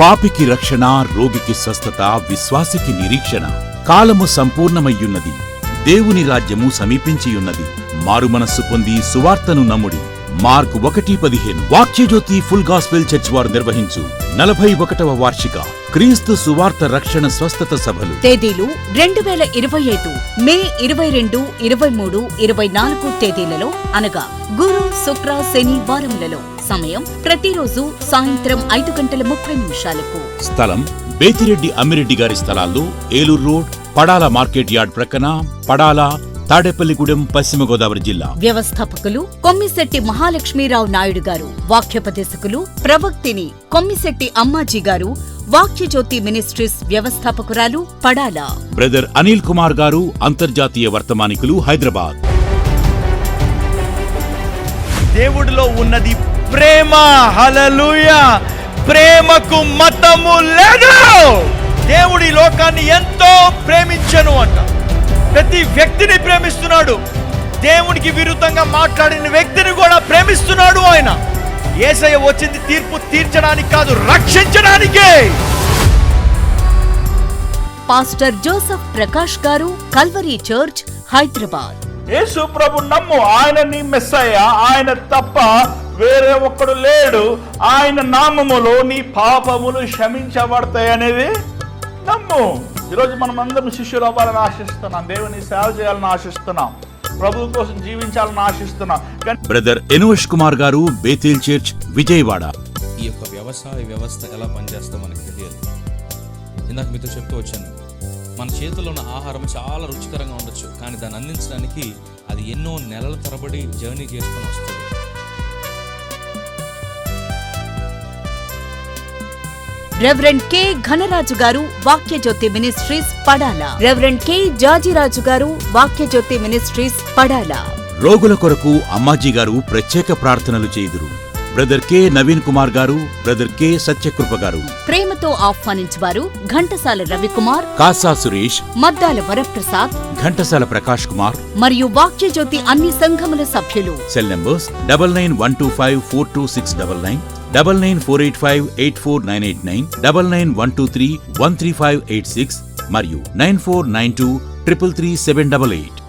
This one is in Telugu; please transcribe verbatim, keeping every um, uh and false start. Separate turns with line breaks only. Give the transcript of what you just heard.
పాపికి రక్షణ, రోగికి స్వస్థత, విశ్వాసికి నిరీక్షణ. కాలము సంపూర్ణమయ్యున్నది, దేవుని రాజ్యము సమీపించియున్నది. మారుమనస్సు పొంది సువార్తను నమ్ముడి. మార్కు ఒకటి పదిహేను. వాక్యజ్యోతి ఫుల్ గాస్పెల్ చర్చ్ వారు నిర్వహించు నలభై ఒకటవ వార్షిక క్రీస్తు సువార్త రక్షణ స్వస్థత సభలు.
తేదీలు రెండు వేల ఇరవై ఐదు మే ఇరవై రెండు, ఇరవై మూడు, ఇరవై నాలుగు తేదీలలో అనగా గురు, శుక్ర, శని వారములలో. సమయం ప్రతిరోజు సాయంత్రం ఐదు గంటల ముప్పై నిమిషాలకు.
స్థలం బేతిరెడ్డి అమ్మిరెడ్డి గారి స్థలాల్లో Eluru road, Padala market yard ప్రక్కన, పడాల, తాడేపల్లిగూడెం, పశ్చిమ గోదావరి జిల్లా.
వ్యవస్థాపకులు కొమ్మిశెట్టి మహాలక్ష్మీరావు నాయుడు గారు. వాక్యోపదేశకులు ప్రవక్తిని కొమ్మిశెట్టి అమ్మాజీ గారు. వాక్యజ్యోతి మినిస్ట్రీస్ వ్యవస్థాపకురాలు పడాల
బ్రదర్ అనిల్ కుమార్ గారు. అంతర్జాతీయ వర్తమానికులు, హైదరాబాద్.
దేవుడిలో ఉన్నది ప్రేమ. హల్లెలూయా. ప్రేమకు మతము లేదు. దేవుడి లోకాన్ని ఎంతో ప్రేమించెను అంట. ప్రతి వ్యక్తిని ప్రేమిస్తున్నాడు. దేవునికి విరుద్ధంగా మాట్లాడిన వ్యక్తిని కూడా ప్రేమిస్తున్నాడు ఆయన. యేసయ్య వచ్చింది తీర్పు తీర్చడానికి కాదు, రక్షించడానికే.
పాస్టర్ జోసెఫ్ ప్రకాష్ గారు, కల్వరీ చర్చ్, హైదరాబాద్.
యేసు ప్రభు నమ్ము, ఆయన నీ మెస్సయ్య, ఆయన తప్ప వేరే ఒక్కడు లేడు. ఆయన నామములో నీ పాపములు క్షమించబడతాయి అనేది నమ్ము. ఈరోజు మనం అందరం శిష్యులు అవ్వాలని ఆశిస్తున్నాం, దేవుని సేవ చేయాలని ఆశిస్తున్నాం, ప్రభు కోసం జీవించాలని ఆశిస్తున్నాం.
బ్రదర్ ఎనుష్ కుమార్ గారు, బేతేల్ చర్చ్, విజయవాడ.
ఈ యొక్క వ్యవసాయ వ్యవస్థ ఎలా పనిచేస్తో మనకు తెలియదు. ఇందాక మీతో చెప్తూ వచ్చాను, మన చేతుల్లో ఉన్న ఆహారం చాలా రుచికరంగా ఉండొచ్చు, కానీ దాన్ని అందించడానికి అది ఎన్నో నెలల తరబడి జర్నీ చేసుకుని వస్తుంది.
రెవరెండ్ కె ఘనరాజు గారు, Vakyajyothi ministries, Padala. Reverend K Jajiraju గారు, వాక్యజ్యోతి మినిస్ట్రీస్, పడాల.
రోగుల కొరకు అమ్మాజీ గారు ప్రత్యేక ప్రార్థనలు చేయుదురు. బ్రదర్ కె నవీన్ కుమార్ గారు, బ్రదర్ కె సత్యకృప గారు.
ప్రేమతో ఆహ్వానించువారు ఘంటసాల రవికుమార్,
కాసా సురేష్,
మద్దాల వరప్రసాద్,
ఘంటసాల ప్రకాష్ కుమార్
మరియు వాక్యజ్యోతి అన్ని సంఘముల సభ్యులు.
Cell numbers double nine one two five four two six double nine, double nine four eight five eight four nine eight nine, double nine one two three one three five eight six మరియు nine four nine two triple three seven double eight.